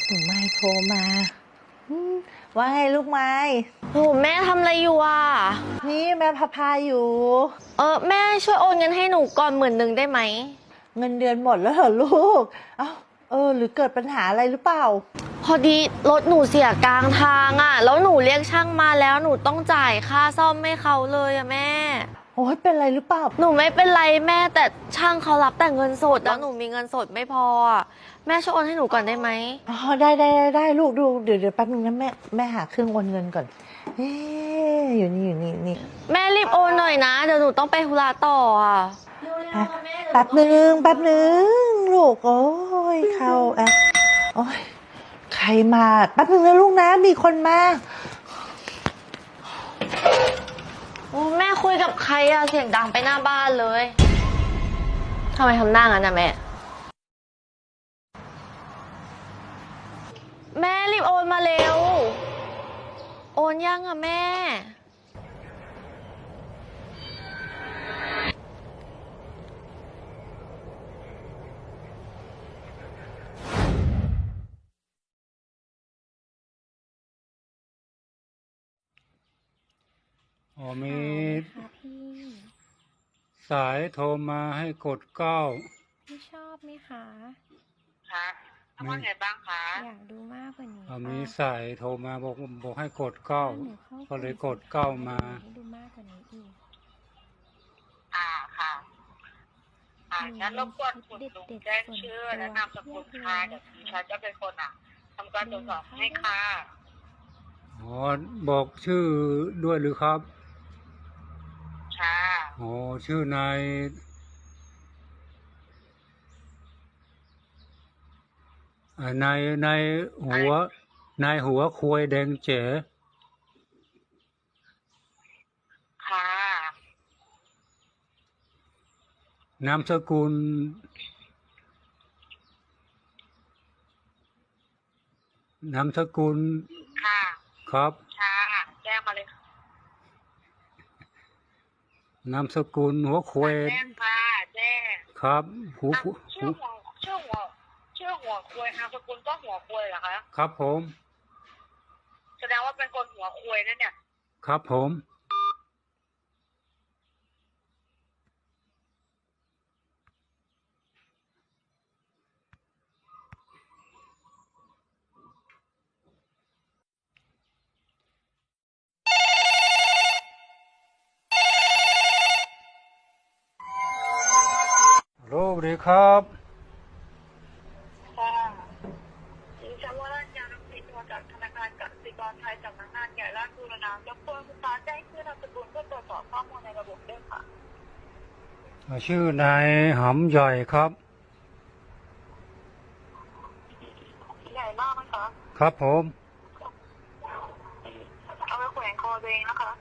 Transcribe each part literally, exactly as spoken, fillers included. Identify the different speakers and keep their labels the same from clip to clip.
Speaker 1: หนูไม้โทรมาอืมว่าไงลูกไม้
Speaker 2: โหแม่ทำอะไรอยู่อ่ะ
Speaker 1: นี่แม่พาพาอยู่
Speaker 2: เออแม่ช่วยโอนเงินให้หนูก่อนหมื่นหนึ่งได้ไหม
Speaker 1: เงินเดือนหมดแล้วเหรอลูกเอ้าเออหรือเกิดปัญหาอะไรหรือเปล่า
Speaker 2: พอดีรถหนูเสียกลางทางอ่ะแล้วหนูเรียกช่างมาแล้วหนูต้องจ่ายค่าซ่อมให้เขาเลยอ่ะแม่
Speaker 1: โอ้ยเป็นไรหรือเปล่า
Speaker 2: หนูไม่เป็นไรแม่แต่ช่างเขารับแต่เงินสดแล้วหนูมีเงินสดไม่พออ่ะแม่ช่วยโอนให้หนูก่อนได้ไหม
Speaker 1: อ๋อได้ได้ได้ได้ลูกดูเดี๋ยวเดี๋ยวแป๊บนึงนะแม่แม่หาเครื่องโอนเงินก่อนเอ๊ะอยู่นี่อยู่นี่นี่
Speaker 2: แม่รีบโอนหน่อยนะเดี๋ยวหนูต้องไปธุระต่ออ่ะ
Speaker 1: แป๊บนึงแป๊บนึงลูกโอ้ยเข้าแอปโอ้ยใครมาแป๊บนึงนะลูกนะมีคนมา
Speaker 2: โอ้แม่คุยกับใครอะเสียงดังไปหน้าบ้านเลยทำไมทำหน้างั้นนะแม่แม่รีบโอนมาเร็วโอนยังอะแม่
Speaker 3: อ๋อมีสายโทรมาให้กดเก้า
Speaker 4: พี่ชอบไหมคะ
Speaker 5: คะทำว่าไงบ้างคะ
Speaker 4: อยากดูมากกว่านี้
Speaker 3: อ๋อมีสายโทรมาบอกบอกให้กดเก้าก็เลยกดเก้ามา
Speaker 4: ให้ดูมากกว่านี้อีก
Speaker 5: อ่าค่ะอ่างั้นรบกวนคุณลุงแจ้งชื่อและนามสกุลค่ะเดี๋ยวดิฉันจะเป็นคนอ่ะทำการตรวจสอบให้ค่ะ
Speaker 3: อ๋อบอกชื่อด้วยหรือครับ
Speaker 5: ค่ะ
Speaker 3: อ๋อชื่อนายนายนายหัวนายหัวควยแดงเจ๋
Speaker 5: ค่ะ
Speaker 3: นามสกุลนามสกุล
Speaker 5: ค่ะ
Speaker 3: ครับ
Speaker 5: ค่ะแจ้งมาเลย
Speaker 3: นามสกุลหัวควย
Speaker 5: แจ้งค่ะแจ้ง
Speaker 3: ครับหู
Speaker 5: ชื่อหัวชื่อหัวชื่อหัวควยนามสกุลก็หัวควยเหรอคะ
Speaker 3: ครับผม
Speaker 5: แสดงว่าเป็นคนหัวควยนั่นเนี่ย
Speaker 3: ครับผมโลสวัสดีครับ
Speaker 5: ค่ะดิฉันว่าราชการรับผิดมาจากธนาคารกสิกรไทยสำนักงานใหญ่ราชบุรณะรบกวนคุณตาแจ้งชื่อนามสกุลเพื่อตรวจสอบข้อมูลในระบบด้วยค่ะ
Speaker 3: ชื่อนายหำใหญ่ครับ
Speaker 5: ใหญ่มากไหมคะ
Speaker 3: ครับผม
Speaker 5: เอาไปแขวนคอตัวเองนะคะ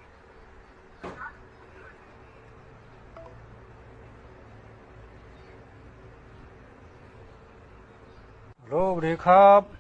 Speaker 3: โลสวัสดีครับ